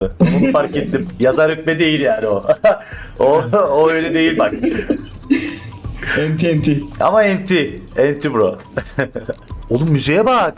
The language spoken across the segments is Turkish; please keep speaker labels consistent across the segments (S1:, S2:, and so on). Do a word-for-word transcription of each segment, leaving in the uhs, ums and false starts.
S1: Onu fark ettim. Yazar hükme değil yani o. o, o öyle değil bak.
S2: Enti enti.
S1: Ama enti. Enti bro. Oğlum müziğe bak.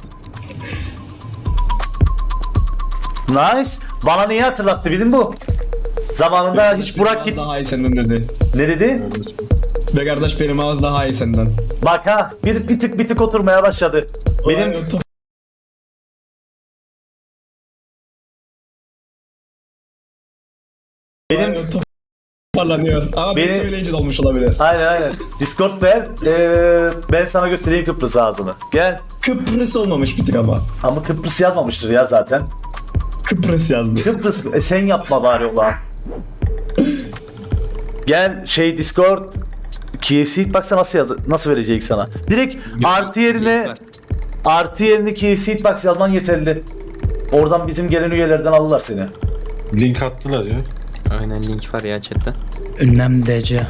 S1: Nice. Bana neyi hatırlattı bilin bu? Zamanında hiç Burak
S2: Benim
S1: git...
S2: ağız daha iyi senden dedi.
S1: Ne dedi?
S2: Be kardeş benim ağız daha iyi senden.
S1: Bak ha bir, bir tık bir tık oturmaya başladı. Benim
S2: Vay, o
S1: benim
S2: Vay, o toparlanıyor. Ama
S1: Benim-
S2: beni söyleyince de olmuş olabilir.
S1: aynen aynen. Discord ver. Ee, ben sana göstereyim Kıbrıs ağzını. Gel.
S2: Kıbrıs olmamış bir tık ama.
S1: Ama Kıbrıs yazmamıştır ya zaten.
S2: Kıbrıs yazdı.
S1: Kıbrıs e, sen yapma bari ulan. Gel şey Discord K F C Hitbox'a nasıl yaz nasıl verecek sana? Direkt artı yerine artı yerine K F C Hitbox yazman yeterli. Oradan bizim gelen üyelerden alırlar seni.
S3: Link attılar ya.
S4: Aynen link var ya chatte.
S5: Ünlem D C.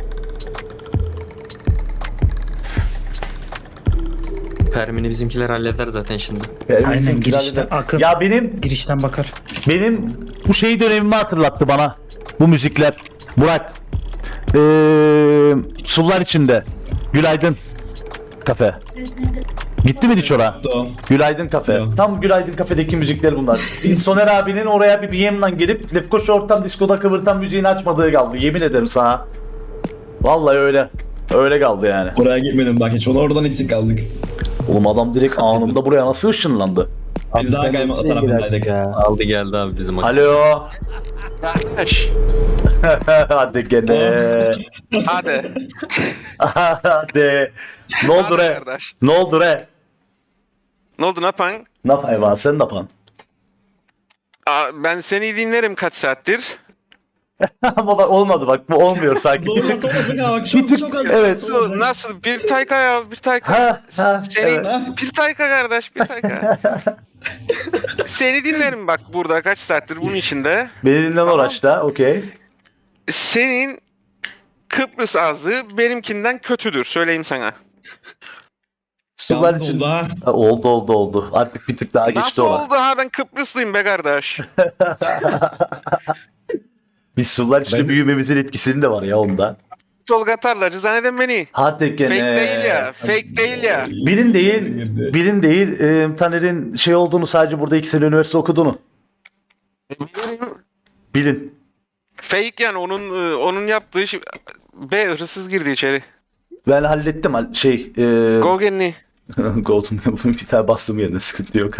S4: Permini bizimkiler halleder zaten şimdi.
S1: Benim
S5: Aynen,
S1: bizim
S5: girişte
S1: kiraliden-
S5: akın.
S1: Ya benim
S5: Girişten bakar.
S1: benim bu şey dönemimi hatırlattı bana. Bu müzikler. Burak. Ee, sular içinde. Günaydın. Kafe. Gitti mi hiç oraya?
S2: O.
S1: Günaydın Kafe.
S2: Yok.
S1: Tam Günaydın Kafe'deki müzikler bunlar. Biz Soner abinin oraya bir B M'den gelip Lefkoşa Ortam Disko'da kıvırtan müziğini açmadığı kaldı. Yemin ederim sana. Vallahi öyle. Öyle kaldı yani.
S2: Oraya gitmedim bak hiç. Onu oradan eksik kaldık.
S1: Oğlum adam direkt anında buraya nasıl ışınlandı?
S2: Biz daha kaymaklı tarafındaydık.
S4: Aldı geldi abi bizim.
S1: Alo.
S6: Kardeş,
S1: Hadi gene.
S6: hadi.
S1: Hadi. Ne oldu
S6: Hadi
S1: re?
S6: kardeş.
S1: Ne oldu re?
S6: Ne oldu ne yapan?
S1: Ne yapayım abi sen ne yapan?
S6: Aa, ben seni dinlerim kaç saattir.
S1: Ama bak olmadı bak bu olmuyor sanki. Bir
S2: Zorlasa
S1: tık,
S2: olacak ha bak
S1: bir
S2: çok
S1: tık-
S2: çok az.
S1: evet.
S2: Çok olacak.
S6: Nasıl? Bir tayka ya, bir tayka.
S1: Ha, ha,
S6: Senin
S1: evet.
S6: bir tayka kardeş, bir tayka. Seni dinlerim bak burada kaç saattir bunun içinde.
S1: Beni dinleme
S6: Tamam.
S1: uğraşta okey.
S6: Senin Kıbrıs ağzı benimkinden kötüdür söyleyeyim sana.
S1: Sular
S2: Yalnız
S1: için.
S2: oldu ha.
S1: Ha, oldu oldu oldu. Artık bir tık daha geçti
S6: Nasıl
S1: olan.
S6: oldu ha ben Kıbrıslıyım be kardeş.
S1: Biz sular içinde
S3: Ben-
S1: büyümemizin etkisinin de var ya onda.
S6: Tolga Tarlacı zanneden beni.
S1: Hadi gene.
S6: Fake değil ya, fake değil ya.
S1: Bilin değil,
S2: Girdi.
S1: bilin değil. E, Taner'in şey olduğunu sadece burada iki sene üniversite okuduğunu. Bilin.
S6: Fake yani onun e, onun yaptığı şey. Be hırsız girdi içeri.
S1: Ben hallettim hal- şey. E,
S6: Gogenli.
S1: Gold'um bir tane bastım yerine sıkıntı yok.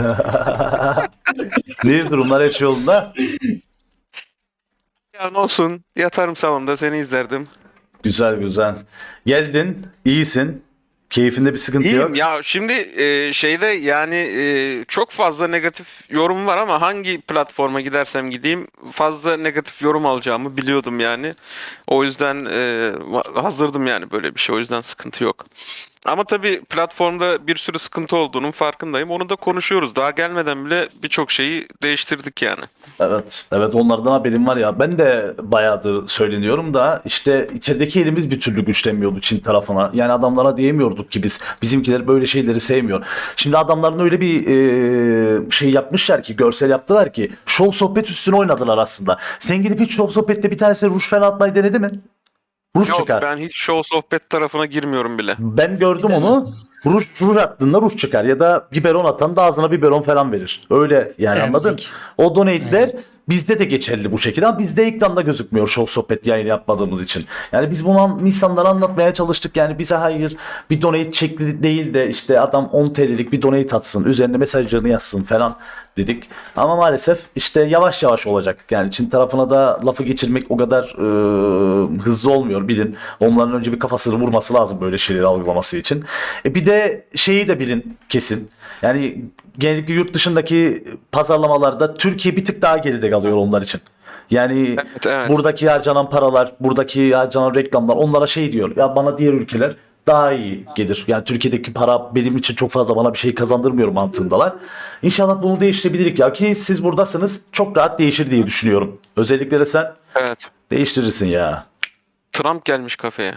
S1: Ne durumlar her şey yolunda?
S6: Ya ne olsun yatarım salonda seni izlerdim.
S1: Güzel güzel. Geldin, iyisin. Keyfinde bir sıkıntı
S6: İyiyim
S1: yok.
S6: ya şimdi e, şeyde yani e, çok fazla negatif yorum var ama hangi platforma gidersem gideyim fazla negatif yorum alacağımı biliyordum yani. O yüzden e, va- hazırdım yani böyle bir şey o yüzden sıkıntı yok. Ama tabii platformda bir sürü sıkıntı olduğunun farkındayım. Onu da konuşuyoruz. Daha gelmeden bile birçok şeyi değiştirdik yani.
S1: Evet, evet onlardan haberim var ya. Ben de bayağıdır söyleniyorum da işte içerideki elimiz bir türlü güçlenmiyordu Çin tarafına. Yani adamlara diyemiyorduk ki biz bizimkiler böyle şeyleri sevmiyor. Şimdi adamların öyle bir e, şey yapmışlar ki görsel yaptılar ki şov sohbet üstüne oynadılar aslında. Sen gidip hiç şov sohbette bir tanesine ruj falan atmayı denedi mi? Ruj
S6: Yok
S1: çıkar.
S6: ben hiç show sohbet tarafına girmiyorum bile.
S1: Ben gördüm onu. Ruj, ruj attığında ruj çıkar ya da biberon atan da ağzına biberon falan verir. Öyle yani
S5: Evet,
S1: anladın?
S5: müzik.
S1: O donate'ler bizde de geçerli bu şekilde ama bizde ekranda gözükmüyor show sohbet yayını yapmadığımız için. Yani biz bunu an- insanlara anlatmaya çalıştık yani bize hayır bir donate şekli değil de işte adam on T L'lik bir donate atsın üzerine mesajlarını yazsın falan dedik. Ama maalesef işte yavaş yavaş olacak. Yani Çin tarafına da lafı geçirmek o kadar e, hızlı olmuyor bilin. Onların önce bir kafasını vurması lazım böyle şeyleri algılaması için. E bir de şeyi de bilin kesin. Yani genellikle yurt dışındaki pazarlamalarda Türkiye bir tık daha geride kalıyor onlar için. Yani
S6: Evet, evet.
S1: buradaki harcanan paralar, buradaki harcanan reklamlar onlara şey diyor. Ya bana diğer ülkeler daha iyi gelir. Yani Türkiye'deki para benim için çok fazla bana bir şey kazandırmıyor mantığındalar. İnşallah bunu değiştirebilirik ya ki siz buradasınız çok rahat değişir diye düşünüyorum. Özellikle de sen
S6: Evet.
S1: değiştirirsin ya.
S6: Trump gelmiş kafeye.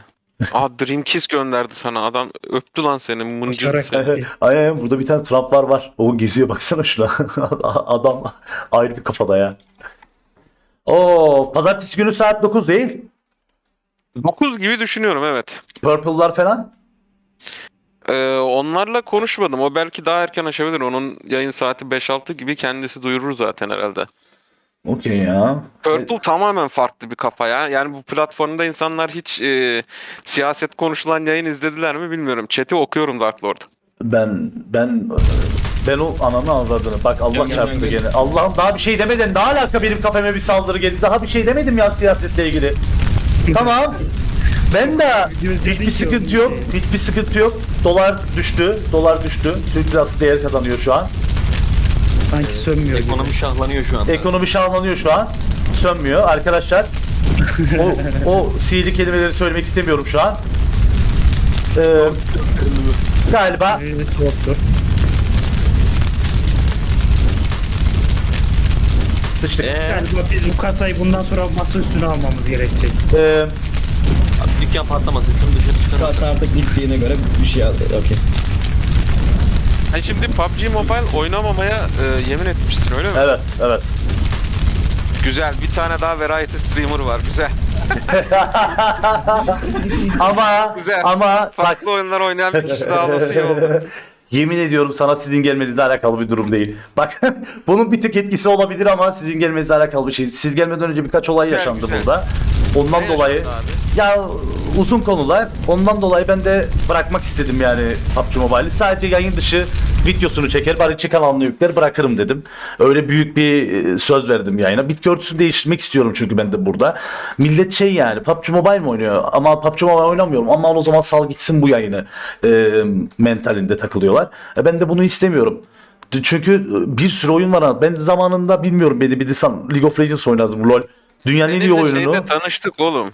S6: Aa Dream Kiss gönderdi sana. Adam öptü lan seni. Mıncır.
S5: Uçarak gitti.
S1: Aynen burada bir tane Trump var var. O geziyor baksana şuna. Adam ayrı bir kafada ya. Oo, pazartesi günü saat dokuz değil.
S6: dokuz gibi düşünüyorum evet.
S1: Purple'lar falan.
S6: Ee, onlarla konuşmadım. O belki daha erken açabilir. Onun yayın saati beş altı gibi kendisi duyurur zaten herhalde.
S1: Okey ya.
S6: Purple tamamen farklı bir kafa ya. Yani bu platformda insanlar hiç e, siyaset konuşulan yayın izlediler mi bilmiyorum. Chat'i okuyorum Dark Lord.
S1: Ben ben ben o ananı avradını. Bak Allah
S2: Gel, gel,
S1: çarptı
S2: gel.
S1: gene. Allah'ım daha bir şey demedin. Daha alaka benim kafeme bir saldırı geldi. Daha bir şey demedim ya siyasetle ilgili. Tamam. Ben de hiçbir sıkıntı yok. Hiçbir sıkıntı yok. Dolar düştü. Dolar düştü. Türk lirası değer kazanıyor şu an.
S5: Sanki sönmüyor gibi.
S4: Ekonomi şahlanıyor şu anda.
S1: Ekonomi şahlanıyor şu an. Sönmüyor arkadaşlar. O, o sihirli kelimeleri söylemek istemiyorum şu an. Ee, galiba
S5: Evet, yoktur.
S1: sıçtık.
S4: Eee
S5: Galiba biz bu kasayı bundan sonra masa üstüne almamız gerekecek.
S1: Ee,
S4: dükkan patlamasın. Şunu dışarı çıkarın.
S2: Kasa artık bittiğine göre bir şey aldı. Okey.
S6: Sen şimdi P U B G Mobile oynamamaya e, yemin etmişsin öyle mi?
S1: evet, evet.
S6: Güzel. Bir tane daha variety streamer var. Güzel.
S1: ama
S6: Güzel.
S1: ama bak
S6: Farklı oyunlar oynayan bir kişi daha olması iyi oldu.
S1: yemin ediyorum sana sizin gelmenizle alakalı bir durum değil. Bak bunun bir tık etkisi olabilir ama sizin gelmenizle alakalı bir şey. Siz gelmeden önce birkaç olay
S6: Güzel,
S1: yaşandı
S6: güzel.
S1: burada. Ondan
S6: Ne
S1: dolayı
S6: yaşandı abi?
S1: ya uzun konular. Ondan dolayı ben de bırakmak istedim yani P U B G Mobile'i. Sadece yayın dışı videosunu çeker, bari çıkan anını yükler bırakırım dedim. Öyle büyük bir e, söz verdim yayına. Bitki örtüsünü değiştirmek istiyorum çünkü ben de burada. Millet şey yani P U B G Mobile mi oynuyor? Ama P U B G Mobile oynamıyorum. Ama o zaman sal gitsin bu yayını e, mentalinde takılıyorlar. E, ben de bunu istemiyorum. Çünkü bir sürü oyun var. Ben zamanında bilmiyorum beni bilirsen League of Legends oynardım LoL. Dünyanın en iyi
S6: Seninle
S1: oyununu.
S6: şeyde tanıştık oğlum.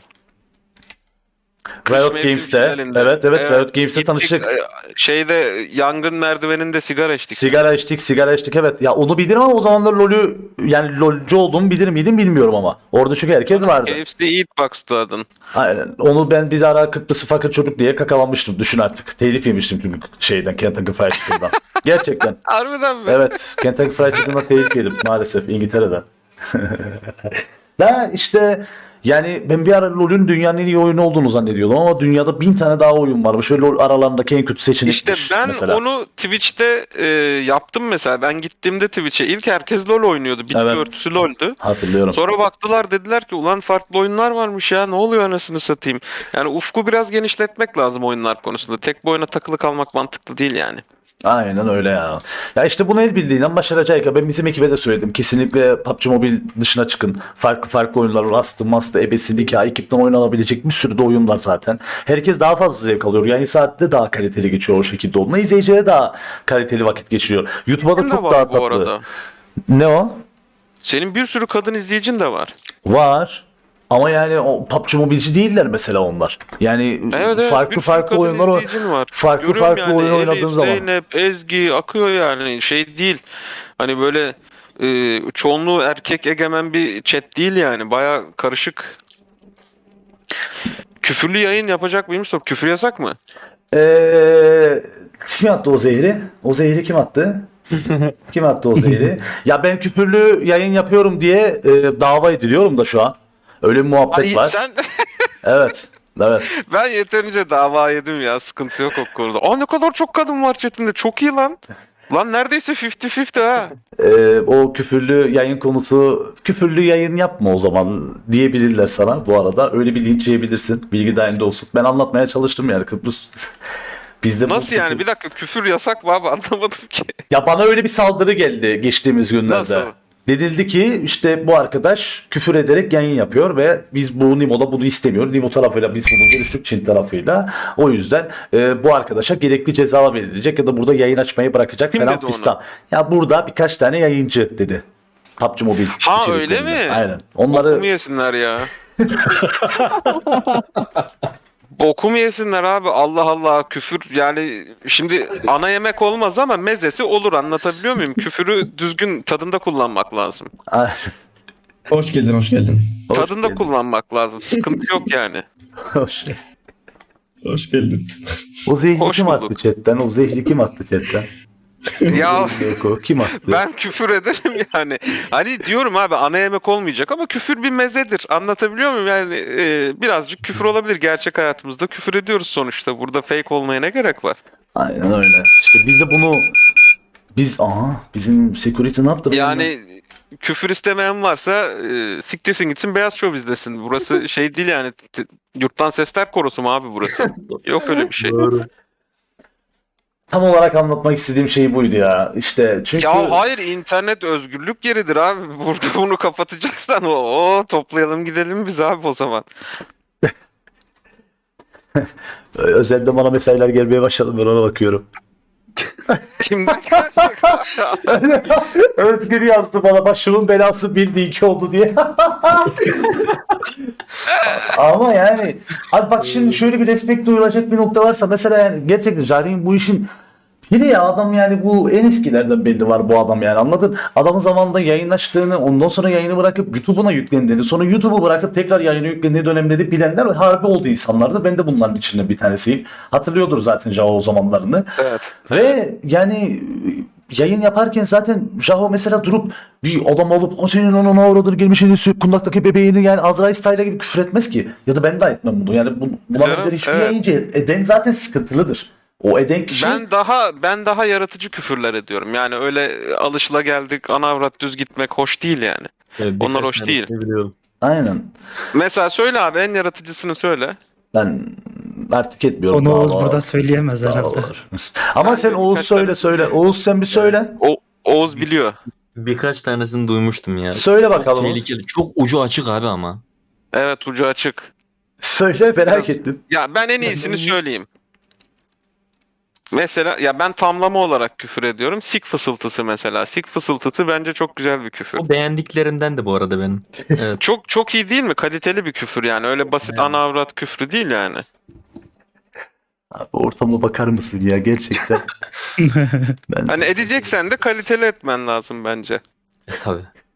S1: Riot
S6: Mevsim
S1: Games'te.
S6: finalinde.
S1: Evet evet Riot Games'te
S6: gittik,
S1: tanıştık.
S6: e, Şeyde yangın merdiveninde sigara içtik.
S1: Sigara içtik, sigara içtik evet. Ya onu bilirim ama o zamanlar LoL'ü yani LoL'cu olduğumu bilir miydim bilmiyorum ama. Orada çünkü herkes vardı.
S6: K F C Eatbox'tu adın.
S1: Aynen. Onu ben bir ara Kıbrıs'ı fakir çocuk diye kakalanmıştım. Düşün artık. Telif yemiştim çünkü şeyden Kentucky Fried Chicken'dan. Gerçekten.
S6: Harbiden mi?
S1: Evet. Kentucky Fried Chicken'dan telif yedim maalesef İngiltere'den. Da işte yani ben bir ara LoL'ün dünyanın en iyi oyunu olduğunu zannediyordum ama dünyada bin tane daha oyun varmış ve LoL aralarındaki en kötü seçenekmiş
S6: İşte ben
S1: mesela.
S6: onu Twitch'te e, yaptım mesela. Ben gittiğimde Twitch'e ilk herkes LoL oynuyordu. Bitki
S1: Evet.
S6: örtüsü LoL'dü.
S1: Hatırlıyorum.
S6: Sonra baktılar dediler ki ulan farklı oyunlar varmış ya ne oluyor anasını satayım. Yani ufku biraz genişletmek lazım oyunlar konusunda. Tek bir oyuna takılı kalmak mantıklı değil yani.
S1: Aynen öyle ya. Ya işte bunu el bildiğinden başaracak ya. Ben bizim ekibe de söyledim. Kesinlikle P U B G Mobile dışına çıkın. Farklı farklı oyunlar. Rust'ı, Must'ı, Ebesi, Nikah, ekipten oynanabilecek bir sürü de oyun var zaten. Herkes daha fazla zevk alıyor. Yani saatte daha kaliteli geçiyor o şekilde olduğunda. İzleyicilere daha kaliteli vakit geçiriyor. YouTube'a da
S6: Senin de
S1: çok
S6: var
S1: daha
S6: bu
S1: tatlı.
S6: arada.
S1: Ne o?
S6: Senin bir sürü kadın izleyicin de var.
S1: Var. Ama yani o P U B G Mobile'ci değiller mesela onlar. Yani
S6: Evet, evet,
S1: farklı
S6: bir sürü
S1: farklı
S6: kadın
S1: oyunlar o-
S6: izleyicin var.
S1: farklı
S6: Görüyorum
S1: farklı
S6: yani,
S1: oyun
S6: Elif,
S1: oynadığın zaman.
S6: Zeynep, Ezgi akıyor yani şey değil. Hani böyle e, çoğunluğu erkek egemen bir chat değil yani. Baya karışık. Küfürlü yayın yapacak mıymış? Küfür yasak mı?
S1: Ee, kim attı o zehri? O zehri kim attı? Kim attı o zehri? Ya ben küfürlü yayın yapıyorum diye e, dava ediliyorum da şu an. Öyle bir muhabbet
S6: Ay,
S1: var.
S6: sen
S1: Evet. Evet.
S6: ben yeterince dava yedim ya. Sıkıntı yok o konuda. Aa ne kadar çok kadın var chatinde. Çok iyi lan. Lan neredeyse elli elli ha.
S1: Ee, o küfürlü yayın konusu küfürlü yayın yapma o zaman diyebilirler sana bu arada. Öyle bir linç yiyebilirsin. Bilgi dahilinde olsun. Ben anlatmaya çalıştım yani Kıbrıs. Bizde bu
S6: Nasıl yani?
S1: küfür-
S6: Bir dakika küfür yasak mı abi? Anlamadım ki.
S1: Ya bana öyle bir saldırı geldi geçtiğimiz günlerde.
S6: Nasıl?
S1: Denildi ki işte bu arkadaş küfür ederek yayın yapıyor ve biz bu Nimo'da bunu istemiyoruz. Nimo tarafıyla biz bunu görüştük Çin tarafıyla. O yüzden e, bu arkadaşa gerekli ceza verilecek ya da burada yayın açmayı bırakacak
S6: Kim
S1: falan
S6: dedi onu?
S1: fistan. Ya burada birkaç tane yayıncı dedi. P U B G Mobile
S6: Ha,
S1: içeriklerinden.
S6: öyle mi?
S1: Aynen. Onları
S6: Bokumu yesinler ya. Bokumu yesinler abi. Allah Allah küfür yani şimdi ana yemek olmaz ama mezesi olur anlatabiliyor muyum? Küfürü düzgün tadında kullanmak lazım.
S2: Hoş geldin, hoş geldin.
S1: Hoş
S6: tadında
S1: geldin.
S6: kullanmak lazım. Sıkıntı yok yani.
S1: Hoş.
S2: Hoş geldin.
S1: O zehri
S6: Hoş
S1: kim
S6: bulduk.
S1: attı chatten? O zehri kim attı chatten?
S6: Ya
S1: Yok o kim attı?
S6: ben küfür ederim yani. Hani diyorum abi ana yemek olmayacak ama küfür bir mezedir. Anlatabiliyor muyum? Yani e, birazcık küfür olabilir. Gerçek hayatımızda küfür ediyoruz sonuçta. Burada fake olmaya ne gerek var?
S1: Aynen öyle. İşte biz de bunu biz aha bizim security ne yaptı?
S6: Yani küfür istemeyen varsa e, siktirsin gitsin Beyaz Şov izlesin. Burası şey değil yani. T- Yurttan Sesler Korosu mu abi burası? Yok öyle bir şey.
S1: Tam olarak anlatmak istediğim şey buydu ya. İşte çünkü
S6: Ya hayır internet özgürlük yeridir abi. Burada bunu kapatacaklar. O toplayalım gidelim biz abi o zaman.
S1: özelde bana mesajlar gelmeye başladı, ben ona bakıyorum.
S6: Kimden gelecek abi?
S1: Özgür yazdı bana, başımın belası bir de iki oldu diye. Ama yani abi bak şimdi şöyle bir respekt duyulacak bir nokta varsa mesela, yani gerçekten Jari'nin bu işin biri ya adam, yani bu en eskilerden belli var bu adam, yani anladın? Adamın zamanında yayın açtığını, ondan sonra yayını bırakıp YouTube'una yüklendiğini, sonra YouTube'u bırakıp tekrar yayını yüklendiği dönemleri bilenler harbi oldu insanlardı. Ben de bunların içinde bir tanesiyim. Hatırlıyordur zaten Jao o zamanlarını.
S6: Evet.
S1: Ve yani yayın yaparken zaten Jaho mesela durup bir adam olup o senin onun avradını girmişini kundaktaki bebeğini, yani Azrail Style'a gibi küfür etmez ki. Ya da ben de etmem bunu. Yani bu, buna
S6: Canım,
S1: benzer hiçbir
S6: evet.
S1: yayıncı eden zaten sıkıntılıdır. O eden kişi
S6: Ben daha ben daha yaratıcı küfürler ediyorum. Yani öyle alışılageldik ana avrat düz gitmek hoş değil yani.
S3: Evet,
S6: Onlar
S3: birkaç
S6: hoş
S3: tane
S6: değil.
S3: biliyorum.
S1: aynen.
S6: Mesela söyle abi en yaratıcısını söyle.
S1: Ben artık etmiyorum.
S5: Onu
S1: daha
S5: Oğuz
S1: var,
S5: burada söyleyemez
S1: daha
S5: herhalde.
S1: var. Ama
S6: Ben
S1: sen
S6: de
S1: Oğuz
S6: birkaç
S1: söyle
S6: tane
S1: söyle.
S6: söyleyeyim.
S1: Oğuz sen bir söyle.
S6: O Oğuz biliyor.
S7: Birkaç tanesini duymuştum ya.
S1: Söyle
S7: Çok
S1: bakalım. Oğuz.
S7: tehlikeli. Çok ucu açık abi ama.
S6: Evet ucu açık.
S1: Söyle, merak
S6: Biraz-
S1: ettim.
S6: Ya ben en iyisini söyleyeyim. Mesela ya ben tamlama olarak küfür ediyorum. Sik fısıltısı mesela. Sik fısıltısı bence çok güzel bir küfür.
S7: O beğendiklerimden de bu arada benim. Evet.
S6: Çok çok iyi değil mi? Kaliteli bir küfür yani. Öyle basit ana avrat küfrü değil yani.
S1: Abi ortama bakar mısın ya gerçekten? Ben
S6: Hani edeceksen de kaliteli etmen lazım bence.
S7: E, tabii.